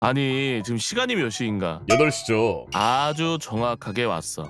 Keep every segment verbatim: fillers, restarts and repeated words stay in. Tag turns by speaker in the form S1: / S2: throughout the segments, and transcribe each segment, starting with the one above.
S1: 아니 지금 시간이 몇 시인가?
S2: 여덟 시죠.
S1: 아주 정확하게 왔어.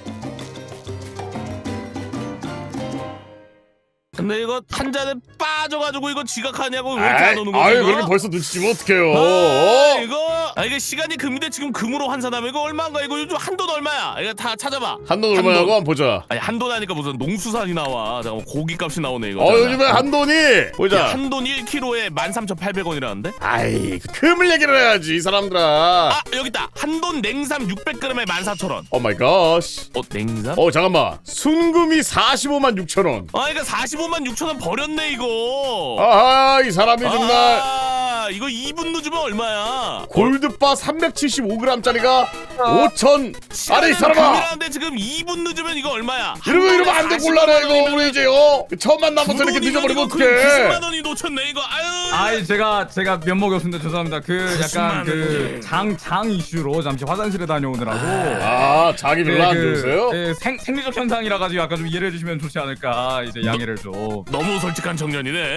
S1: 근데 이거 한 잔에 빠져가지고 이거 지각하냐고 왜 이렇게 안 오는 거지?
S2: 아유
S1: 이거?
S2: 그렇게 벌써 눈치 주면 어떡해요.
S1: 아, 이거 아 이게 시간이 금인데 지금 금으로 환산하면 이거 얼마인가? 이거 요즘 한돈 얼마야? 이거 다 찾아봐.
S2: 한돈 얼마냐고 한번 보자.
S1: 아니 한돈 하니까 무슨 농수산이 나와. 잠깐 고기값이 나오네 이거.
S2: 어 요즘에 한돈이 보자.
S1: 한돈 일 킬로그램에 만 삼천팔백 원이라는데?
S2: 아이 금을 얘기를 해야지 이 사람들아.
S1: 아 여기 있다. 한돈 냉삼 육백 그램에 만 사천 원.
S2: 오 마이 갓.
S1: 어 냉삼?
S2: 어 잠깐만. 순금이 사십오만 육천 원.
S1: 아 그러니까 사십오만 육천 원 버렸네 이거.
S2: 아하 이 사람이 정말.
S1: 아 이거 이 분 늦으면 얼마야?
S2: 골드바 삼백칠십오 그램짜리가 오천. 아니 이 사람아.
S1: 금이라는데 지금 이 분 늦으면 이거 얼마야?
S2: 이러면 이러면 안 돼 곤란해 이거 우리 이제요. 처음 만나면서 이렇게 늦어버리면 어떡해.
S1: 구십만 원이 놓쳤네 이거. 아유.
S3: 아이 제가 제가 면목이 없습니다. 죄송합니다. 그 약간 그 장 장 이슈로 잠시 화장실에 다녀오느라고.
S2: 아 자기 별로 안 좋으세요?
S3: 예, 생 생리적 현상이라 가지고 약간 좀 이해해 주시면 좋지 않을까. 이제 양해를 좀.
S1: 너무 솔직한 청년이네.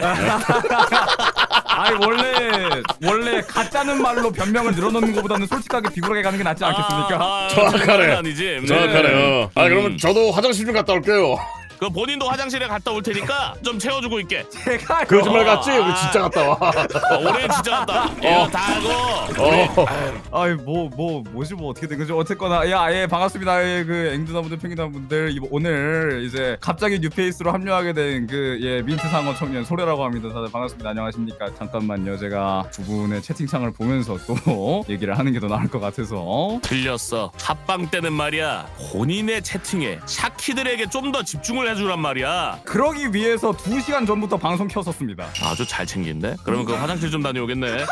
S3: 아이 원래 원래 가짜는 말로 변명을 늘어놓는 것보다는 솔직하게 비굴하게 가는 게 낫지 않겠습니까?
S1: 아, 아,
S2: 정확하네.
S1: 아니지.
S2: 정확하네요. 아 그러면
S1: 음.
S2: 저도 화장실 좀 갔다 올게요.
S1: 그 본인도 화장실에 갔다 올 테니까 좀 채워주고 있게.
S3: 제가
S2: 거짓말 같지? 우리 진짜 갔다 와.
S1: 어, 올해 진짜 갔다. 이거 다 하고.
S2: 어.
S3: 아이 뭐 뭐 뭐지 뭐 어떻게 된 거지 어쨌거나 야예 반갑습니다. 예, 그 앵두나분들 팽이나분들 오늘 이제 갑자기 뉴페이스로 합류하게 된 그 예 민트 상어 청년 소래라고 합니다. 다들 반갑습니다. 안녕하십니까? 잠깐만요. 제가 두 분의 채팅창을 보면서 또 얘기를 하는 게 더 나을 것 같아서.
S1: 들렸어. 합방 때는 말이야. 본인의 채팅에 샤키들에게 좀 더 집중을 해주란 말이야.
S3: 그러기 위해서 두 시간 전부터 방송 켰었습니다.
S1: 아주 잘 챙긴데? 그러면 그 화장실 좀 다녀오겠네.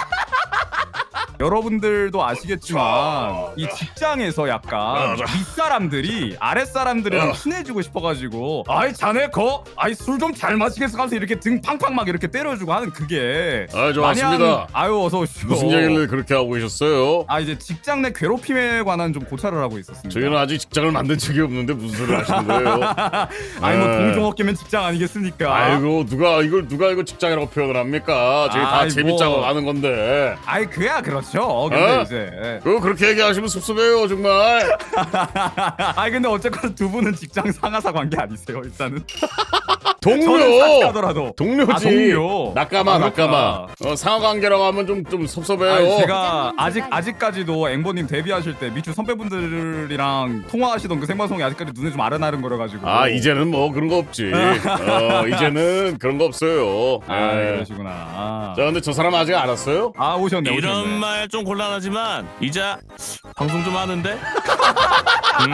S3: 여러분들도 아시겠지만 이 직장에서 약간 윗사람들이 아랫사람들이랑 친해지고 싶어가지고 아이 자네 거 아이 술 좀 잘 마시겠어 하면서 이렇게 등 팡팡 막 이렇게 때려주고 하는 그게
S2: 아 좋았습니다.
S3: 마냥, 아유 어서 오시오.
S2: 무슨 얘기를 그렇게 하고 계셨어요?
S3: 아 이제 직장 내 괴롭힘에 관한 좀 고찰을 하고 있었습니다.
S2: 저희는 아직 직장을 만든 적이 없는데 무슨 소리를 하시는 거예요?
S3: 아니 뭐
S2: 네.
S3: 동종업계면 직장 아니겠습니까?
S2: 아이고 누가 이걸 누가 이거 직장이라고 표현을 합니까? 저희 다
S3: 아이고.
S2: 재밌자고 하는 건데.
S3: 아이 그야 그렇죠. 근데
S2: 어?
S3: 이제
S2: 그거 그렇게 얘기하시면 섭섭해요 정말.
S3: 아이 근데 어쨌거나 두 분은 직장 상하사 관계 아니세요 일단은?
S2: 동료.
S3: 저는 하더라도
S2: 동료지.
S3: 아, 동료.
S2: 낙가마
S3: 아,
S2: 낙가마. 어, 상하 관계라고 하면 좀 좀 섭섭해요.
S3: 아니, 제가 아직 아직까지도 앵보님 데뷔하실 때 미추 선배분들이랑 통화하시던 그 생방송이 아직까지 눈에 좀 아른아른 거려가지고.
S2: 아 이제는 뭐 그런 거 없지. 어, 이제는 그런 거 없어요.
S3: 아
S2: 네.
S3: 그러시구나. 아,
S2: 자 근데 저 사람 아직 안 왔어요?
S3: 아 오셨네
S1: 이런
S3: 오셨네.
S1: 말 좀 곤란하지만 이제 방송 좀 하는데. 음.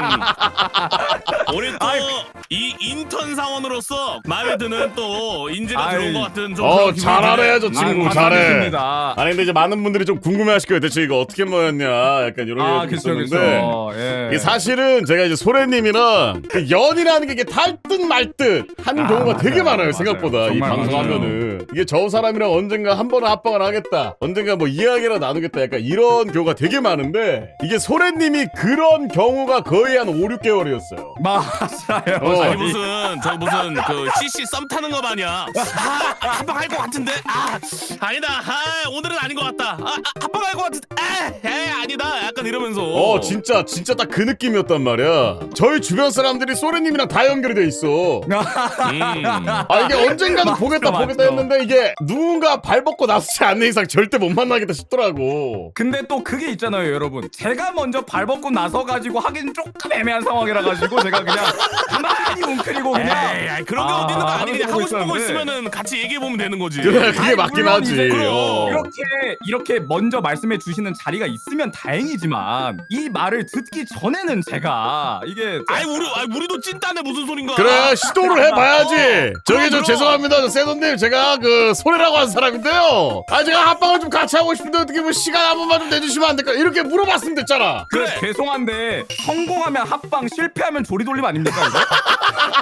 S1: 우리 또 이 인턴 사원으로서 마음에 드는 또 인재가
S3: 아이.
S1: 들어온 것 같은 좀
S2: 어
S1: 그런 기분이
S2: 잘하네 저
S1: 드네.
S2: 친구
S3: 아,
S2: 잘해.
S3: 감사드립니다.
S2: 아니 근데 이제 많은 분들이 좀 궁금해하실 거예요. 대체 이거 어떻게 모였냐 약간 이런
S3: 아
S2: 게
S3: 그쵸
S2: 있었는데.
S3: 그쵸. 예.
S2: 이게 사실은 제가 이제 소래님이랑 그 연이라는 게 이게 탈듯 말듯 하는
S3: 아,
S2: 경우가
S3: 맞아요.
S2: 되게 많아요.
S3: 맞아요.
S2: 생각보다 이
S3: 정말
S2: 방송하면은 이게 저 사람이랑 언젠가 한 번은 합방을 하겠다, 언젠가 뭐 이야기를 나누겠다, 약간 이런 경우가 되게 많은데 이게 소래님이 그런 경우가 거의 한 오, 육 개월이었어요.
S3: 맞아요.
S2: 어.
S1: 아니 무슨 저 무슨 그 씨씨 썸 타는 거 마냥 아 합방할 것 같은데 아 아니다 아 오늘은 아닌 것 같다 아, 아 합방할 것 같은데 아 에이, 아니다 약간 이러면서
S2: 어 진짜 진짜 딱 그 느낌이었단 말이야. 저희 주변 사람들이 소래님이랑 다 연결이 돼 있어.
S1: 음.
S2: 아 이게 언젠가는
S3: 맞죠,
S2: 보겠다 보겠다
S3: 맞죠.
S2: 했는데 이게 누군가 발벗고 나서지 않는 이상 절대 못 만나겠다 싶더라고.
S3: 근데 또 그게 있잖아요 여러분. 제가 먼저 발벗고 나서 가지고 하긴 조금 애매한 상황이라 가지고 제가 그냥 가만히 웅크리고 그냥
S1: 에이 아이, 그런 게
S3: 아,
S1: 어디 있는 거 아니니
S3: 하고
S1: 하고 싶은 거
S3: 있었는데.
S1: 있으면은 같이 얘기해 보면 되는 거지.
S2: 그래 그게
S3: 아니,
S2: 맞긴
S3: 물론
S2: 하지.
S3: 이제
S2: 어.
S3: 이렇게 이렇게 먼저 말씀해 주시는 자리가 있으면 다행이지만 이 말을 듣기 전에는 제가 이게
S1: 아이 우리 아이 우리도 찐따네 무슨 소린가.
S2: 그래 시도를 해봐야지.
S1: 어.
S2: 저기 저
S1: 그럼,
S2: 죄송합니다 저 세돈님, 제가 그 소래라고 한 사람인데요. 아 제가 합방을 좀 같이 하고 싶은데 어떻게 뭐 시간 한 번만 좀 내주시면 안 될까, 이렇게 물어봤으면 됐잖아.
S3: 그래
S1: 그래.
S3: 죄송한데 성공하면 합방 실패하면 조리돌림 아닙니까 이거?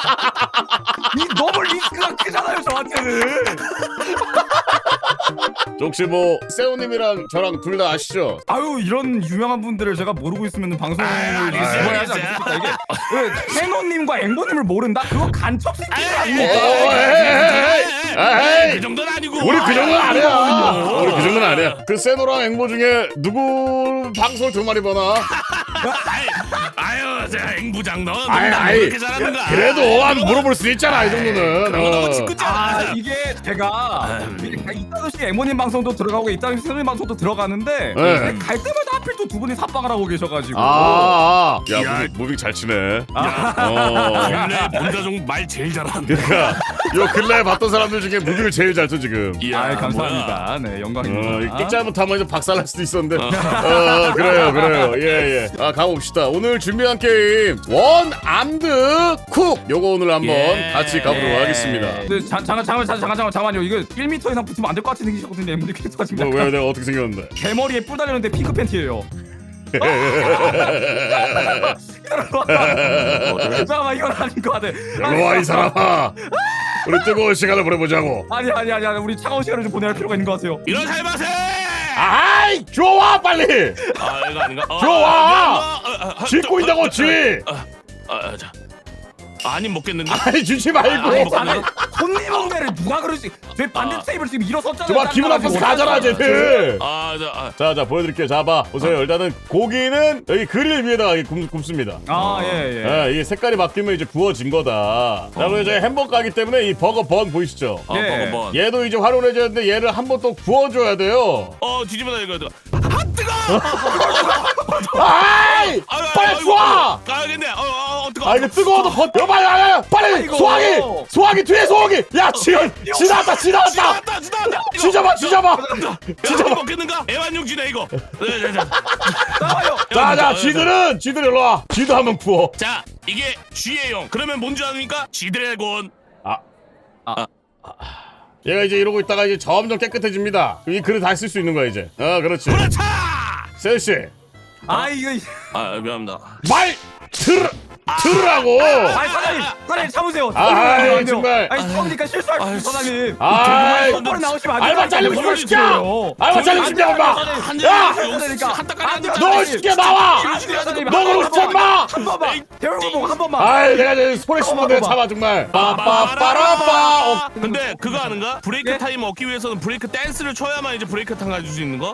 S3: 이 너무 리스크가 크잖아요 저한테는.
S2: 저 혹시 뭐 세호님이랑 저랑 둘 다 아시죠?
S3: 아유 이런 유명한 분들을 제가 모르고 있으면 방송을
S1: 아,
S3: 죽어야 하지
S1: 알겠어요.
S3: 않겠습니까? 이게 그 해노님과 앵보님을 모른다? 그거 간첩 새끼
S2: 어,
S3: 아닙니까?
S2: 에이, 에이.
S1: 그 정도는 아니고.
S2: 우리 그 정도는 아니야.
S1: 어.
S2: 우리 그 정도는 아니야. 그 세노랑 앵보 중에 누구 방송을 두 마리 보나?
S1: 아이, 아유, 자, 앵부장 너
S2: 아이,
S1: 농담
S2: 아이.
S1: 그렇게 잘하는가?
S2: 그래도 한 물어볼 수 있잖아 이 정도는.
S1: 그런 거 너무
S2: 어.
S1: 짓궂잖아.
S3: 아 이게 제가 이따듯이 앵보님 방송도 들어가고 이따듯이 세노님 방송도 들어가는데
S2: 네.
S3: 갈 때마다 하필 또 두 분이 삽방을 하고 계셔가지고
S2: 아, 아. 야,
S1: 야.
S2: 무빙, 무빙 잘 치네.
S1: 야,
S2: 어.
S1: 원래 본가족 말 제일 잘하는데.
S2: 그러니까 요 근래에 봤던 사람들 중에 무빙을 제일 잘 쳐 지금.
S1: 이야,
S3: 아 감사합니다. 네
S2: 어,
S3: 영광입니다.
S2: 이 잘못하면 이제 박살날 수도 있었는데. 어, 그래요, 그래요. 예, 예. 아, 가봅시다. 오늘 준비한 게임 원 암드 쿡. 요거 오늘 한번
S1: 예.
S2: 같이 가보도록 하겠습니다.
S3: 근데 자, 잠깐 잠깐 잠깐 잠깐 잠깐만요. 이거 일 미터 이상 붙으면 안 될 것 같이 생기셨거든요. 앵보님 캐릭터가 지금
S2: 뭐,
S3: 약간
S2: 왜 내가 어떻게 생겼는데?
S3: 대머리에 뿔 달렸는데 핑크 팬티예요. 잠깐만 이건 아닌 것 같아.
S2: 일로 와, 이 사람아. 우리 뜨거운 시간을 보내보자고.
S3: 아니 아니 아니 아니 우리 차가운 시간을 좀 보내야 할 필요가 있는 것 같아요.
S1: 이런 살맛에.
S2: 아이, 좋아, 빨리.
S1: 아, 이거 아닌가? 어,
S2: 좋아.
S1: 아, 아, 아, 아,
S2: 쥐고
S1: 저,
S2: 있다고,
S1: 어,
S2: 쥐.
S1: 아, 아, 자. 아니 먹겠는데.
S2: 아니, 주지
S1: 아,
S2: 말고.
S1: 아니,
S3: 아니 손님 엉매를 누가 그러지? 제 반대
S1: 아.
S3: 테이블 지금 일어섰잖아요.
S2: 저봐, 기분 나빠서 가잖아, 쟤들.
S1: 아, 자, 아,
S2: 자, 자, 보여드릴게요. 자, 봐. 보세요. 일단은 고기는 여기 그릴 위에다가 이렇게 굽, 굽습니다.
S3: 아예 예.
S2: 예, 이게 색깔이 바뀌면 이제 구워진 거다. 자, 그리고 이제 햄버거 가기 때문에 이 버거 번 보이시죠?
S1: 아,
S3: 예.
S1: 먹어봐.
S2: 얘도 이제 활용해줘야 되는데 얘를 한 번 또 구워줘야 돼요.
S1: 어, 뒤집어다 이거. 이거. 아, 뜨거!
S2: 아이!
S1: 아, 아,
S2: 빨리
S1: 아이고,
S2: 쏘아!
S1: 가야겠네. 어, 어, 어, 뜨거.
S2: 아, 이거 뜨거워도 버, 여봐, 야, 야, 야, 빨리!
S3: 아이고.
S2: 소화기! 소화기, 뒤에 소화기! 야, 지금, 지나왔다, 지나왔다!
S1: 지나왔다, 지나왔다. 이거.
S2: 지져봐, 지져봐!
S1: 진짜 먹겠는가? 애완용쥐네 이거. 네, 네, 네.
S3: 나와요.
S2: 자, 자, 쥐들은, 쥐들 일로 와. 쥐도 한번 구워.
S1: 자, 이게 쥐예용. 그러면 뭔지 아십니까? 쥐드래곤.
S2: 얘가 이제 이러고 있다가 이제 점점 깨끗해집니다. 이 그릇 다 쓸 수 있는 거야, 이제. 어, 그렇지.
S1: 그렇다.
S2: 세우씨,
S3: 아 이거
S1: 아, 미안합니다.
S2: 말! 들, 들으라고!
S3: 아니 사장님 사장님 참으세요.
S2: 아이, 정말.
S3: 아니 처음이니까 실수할 수 있어 사장님.
S2: 아이,
S3: 똑바로 나오시면 안 돼요.
S2: 알바 잘리고
S3: 이걸
S2: 시켜!
S3: 시켜요.
S2: 알바 잘리고 시켜, 엄마! 야! 너 시켜 나와! 너 그러고 싶지 않마!
S3: 한 번만 배운 거 보고 한 번만.
S2: 아이, 내가 이제 소리 씹는 데 참아, 정말. 빠빠빠라빠! 어,
S1: 근데 그거 아는가? 브레이크
S3: 예?
S1: 타임 얻기 위해서는 브레이크 댄스를 쳐야만 이제 브레이크 타임 가질 수 있는 거?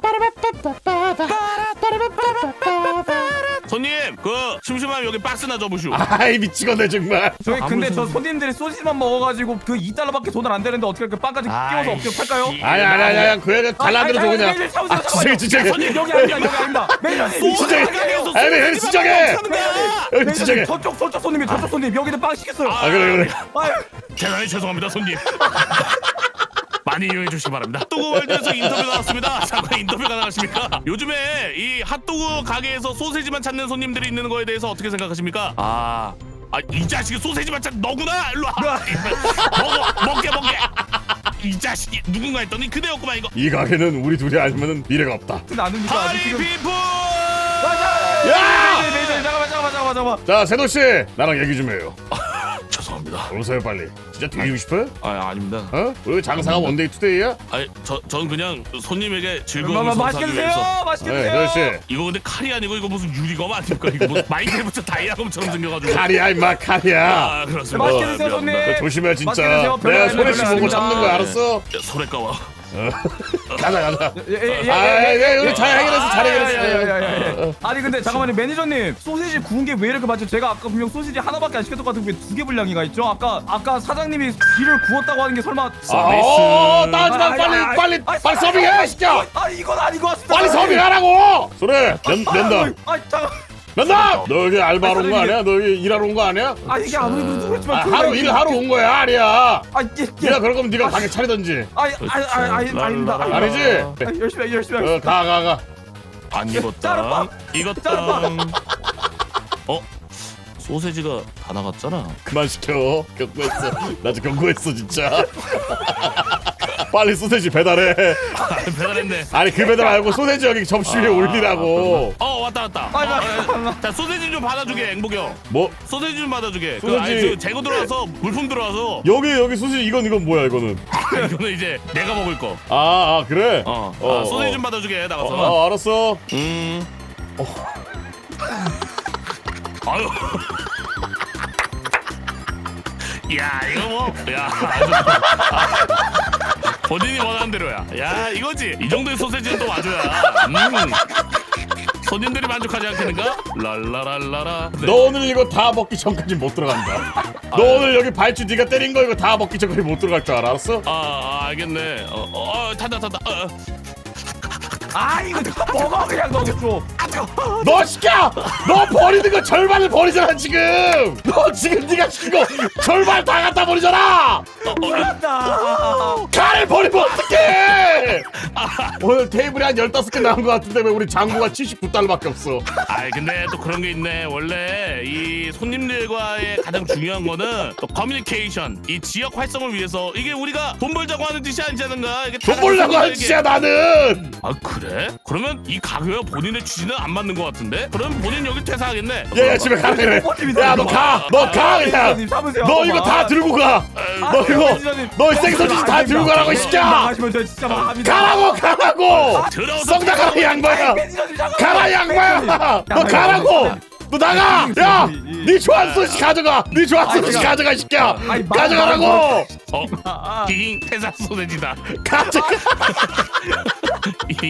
S1: 손님, 그 심심하면 여기 박스나 접으시오.
S2: 아이, 미치겠네, 정말.
S3: 저희 근데
S1: 아무리
S3: 저 손님들이 소시지만 먹어가지고 그 이 달러밖에 돈을 안 되는데 어떻게 그 빵까지 끼워서
S1: 아이,
S3: 어떻게 팔까요?
S1: 씨.
S2: 아니, 아니, 아니, 아니, 그 애가 잘난 대로 줘, 그냥.
S3: 매니저님 참으세요,
S2: 아, 진짜게, 진짜게.
S3: 손님 여기 아닙니다 여기 아닙니다. 매니저님
S2: 진짜게.
S1: 가게에서
S2: 아니,
S1: 소세지만
S2: 진짜게.
S1: 먹고 사는 거야.
S2: 여기
S3: 매니저님
S2: 진짜게.
S3: 저쪽 저쪽 손님이 저쪽 손님 여기는 빵 시켰어요.
S2: 아, 그래, 그래.
S3: 아유.
S1: 대단히 죄송합니다, 손님. 많이 이용해 주시기 바랍니다. 핫도그 월드에서 인터뷰 나왔습니다. 잠깐 인터뷰 가능하십니까? 요즘에 이 핫도그 가게에서 소세지만 찾는 손님들이 있는 거에 대해서 어떻게 생각하십니까? 아, 아, 이 자식이 소세지만 찾 너구나. 일로 와. 먹어, 먹게, 먹게. 이 자식이 누군가 했더니 그대였구만 이거.
S2: 이 가게는 우리 둘이 아니면 미래가 없다.
S3: 나누니까 아직
S1: 하리
S3: 지금
S1: 피플.
S3: 맞아.
S2: 야!
S3: 매니저님 매니저님 잠깐만 잠깐만 잠깐만 잠깐만.
S2: 자, 세노씨, 나랑 얘기 좀 해요.
S1: 죄송합니다.
S2: 오세요, 빨리. 진짜 뒤지고 싶어요?
S1: 아, 아닙니다.
S2: 어? 우리 장사가 원데이 투데이야?
S1: 아니, 저, 전 그냥 손님에게 즐거움을
S3: 엄마
S1: 선사하기
S3: 맛있게
S1: 위해서.
S3: 드세요. 맛있게
S2: 네,
S3: 드세요.
S2: 세노씨.
S1: 이거 근데 칼이 아니고 이거 무슨 유리검 아닙니까? 이거 무슨 마이크래프트 다이아검처럼 생겨가지고.
S2: 칼이야, 임마, 칼이야.
S1: 아, 그렇습니다.
S3: 맛있게
S1: 아,
S3: 드세요,
S1: 미안합니다.
S3: 손님.
S2: 조심해, 진짜.
S3: 맛있게 드세요. 별로
S2: 내가
S3: 아닙니다,
S2: 소리 씨
S3: 별로
S2: 보고 참는 거야,
S3: 아닙니다.
S2: 알았어?
S1: 야, 소래 까워.
S2: 가자, 가자.
S3: 예예예.
S2: 아, 예, 우리 잘 해결했어, 잘
S3: 예, 예,
S2: 해결했어.
S3: 예. 아니 근데 잠깐만요 매니저님 소시지 구운 게 왜 이렇게 많죠? 제가 아까 분명 소시지 하나밖에 안 시켰던 것 같은데 왜 두 개 분량이가 있죠? 아까 아까 사장님이 귀를 구웠다고 하는 게 설마
S2: 아, 어, 따지 마,
S3: 아니,
S2: 빨리,
S3: 아니,
S2: 빨리,
S3: 아니,
S2: 빨리
S3: 아니,
S2: 서빙해,
S3: 아니,
S2: 시켜.
S3: 아니 이건 아닌 것 같습니다.
S2: 빨리 서빙하라고. 그래, 면, 면담.
S3: 아 잠깐.
S2: 면담. 너 여기 알바로 온 거
S3: 아니,
S2: 아니야? 너 여기 일하러 온 거 아니야?
S3: 아 이게 아무리 그래도 그렇지만
S2: 아,
S3: 저희가
S2: 하루
S3: 이게-
S2: 일 하러 온 거야, 아니야.
S3: 아 예, 예.
S2: 네가 그럴 거면 네가 가게 차리던지.
S3: 아니 아니 아니 아니 아닙니다.
S1: 랄랄랄라.
S2: 아니지?
S3: 아, 열심히 해, 열심히
S2: 어,
S3: 하겠습니다.
S2: 가, 가, 가.
S1: 안 익었다.
S3: 짜르빵.
S1: 익었다.
S3: 짜르빵.
S1: 어? 소세지가 다 나갔잖아.
S2: 그만 시켜. 경고했어. 나 지금 경고했어, 진짜. 빨리 소세지 배달해.
S1: 배달했네.
S2: 아니 그 배달 말고 소세지 여기 접시 위에 올리라고.
S1: 어 왔다 왔다.
S3: 빨리,
S1: 어,
S3: 빨리,
S1: 어, 자 소세지 좀 받아주게 앵복이 형.
S2: 뭐
S1: 소세지 좀 받아주게. 그,
S2: 소세지.
S1: 아니, 저 재고 들어와서 물품 들어와서
S2: 여기 여기 소세지 이건 이건 뭐야 이거는?
S1: 이거는 이제 내가 먹을 거.
S2: 아, 아 그래?
S1: 어,
S2: 어,
S1: 아, 소세지
S2: 어.
S1: 좀 받아주게
S2: 어,
S1: 나가서.
S2: 어 알았어.
S1: 음. 아유. 야 이거 뭐? 야. 아주, 아, 본인이 원하는 대로야. 야 이거지. 이 정도의 소세지는 또 와줘야. 음. 손님들이 만족하지 않겠는가? 랄라랄라라. 네.
S2: 너 오늘 이거 다 먹기 전까지 못 들어간다. 너 오늘 여기 발주 네가 때린 거 이거 다 먹기 전까지 못 들어갈 줄 알아, 알았어?
S1: 아, 아 알겠네. 어, 어, 어 탄다 탄다. 어, 어.
S3: 아 이거 먹어 그냥 너 줘.
S2: 너 시켜! 너 버리는 거 절반을 버리잖아 지금! 너 지금 네가 시킨 거 절반 다 갖다 버리잖아!
S3: 한다.
S2: 칼을 버리면 어떡해! 오늘 테이블에 한 열다섯 개 남은 거 같은데 왜 우리 장부가 칠십구 달러밖에 없어.
S1: 아이 근데 또 그런 게 있네. 원래 이 손님들과의 가장 중요한 거는 또 커뮤니케이션, 이 지역 활성을 위해서 이게 우리가 돈 벌자고 하는 짓이 아니지 않은가? 이게
S2: 돈 벌려고 하는
S1: 이게-
S2: 짓이야 나는!
S1: 아 그래? 그러면 이 가게와 본인의 취지는 안 맞는 것 같은데? 그럼 본인 여기 퇴사하겠네.
S2: 얘야 집에 가라 그래. 야 너 가! 너 가 그냥!
S3: 매니저님 잡으세요.
S2: 너 이거 다 들고 가! 너 이거 너 생선지 다 들고 가라고 이 새끼야!
S3: 나가시면 저 진짜 망합니다.
S2: 가라고 가라고!
S1: 들어서
S2: 썩다 가라 이 양반아!
S3: 매니저님 잠깐만.
S2: 가라 이 양반아! 너 가라고! 너 나가! 야! 네 좋아하는 소식 가져가! 네 좋아하는 소식 가져가 이 새끼야!
S3: 아니, 말-
S2: 가져가라고!
S1: 어? 잉 퇴사 소세지다.
S2: 가져가!
S1: 잉.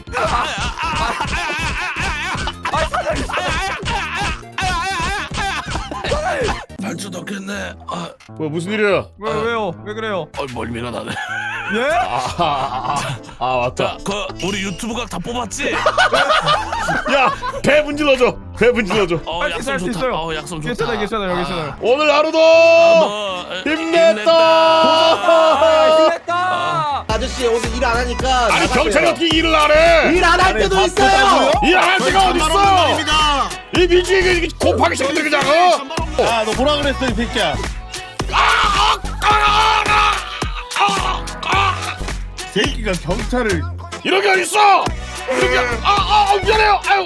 S1: 발주 넣겠네. 아,
S2: 뭐 무슨 일이야?
S3: 왜 왜요? 왜 그래요?
S1: 어, 멀미가 나네.
S3: 예?
S2: 아, 아, 아, 아 맞다.
S1: 자, 그 우리 유튜브각 다 뽑았지?
S2: 야! 배 분질러줘! 배 분질러줘!
S1: 어,
S3: 할수 있어요,
S1: 약속
S3: 할수
S1: 좋다.
S3: 있어요.
S1: 어, 약속 좋다.
S3: 괜찮아요, 괜찮아요, 여기 있어요.
S2: 오늘 하루도
S1: 어,
S2: 힘냈다!
S3: 아, 힘냈다.
S4: 아저씨 오늘 일 안 하니까
S2: 아니
S4: 나가세요.
S2: 경찰이 어떻게 일을 안 해?
S4: 일 안 할 때도 있어요.
S2: 일 안 할 때가 어딨어! 이 미주의 그 곱하기 새끼들 그냥 어?
S4: 야너 뭐라 그랬어 이 새끼야. 새끼가 경찰을
S2: 이런 게 어딨어! 이런 게 아, 아, 아 미안해요! 아유!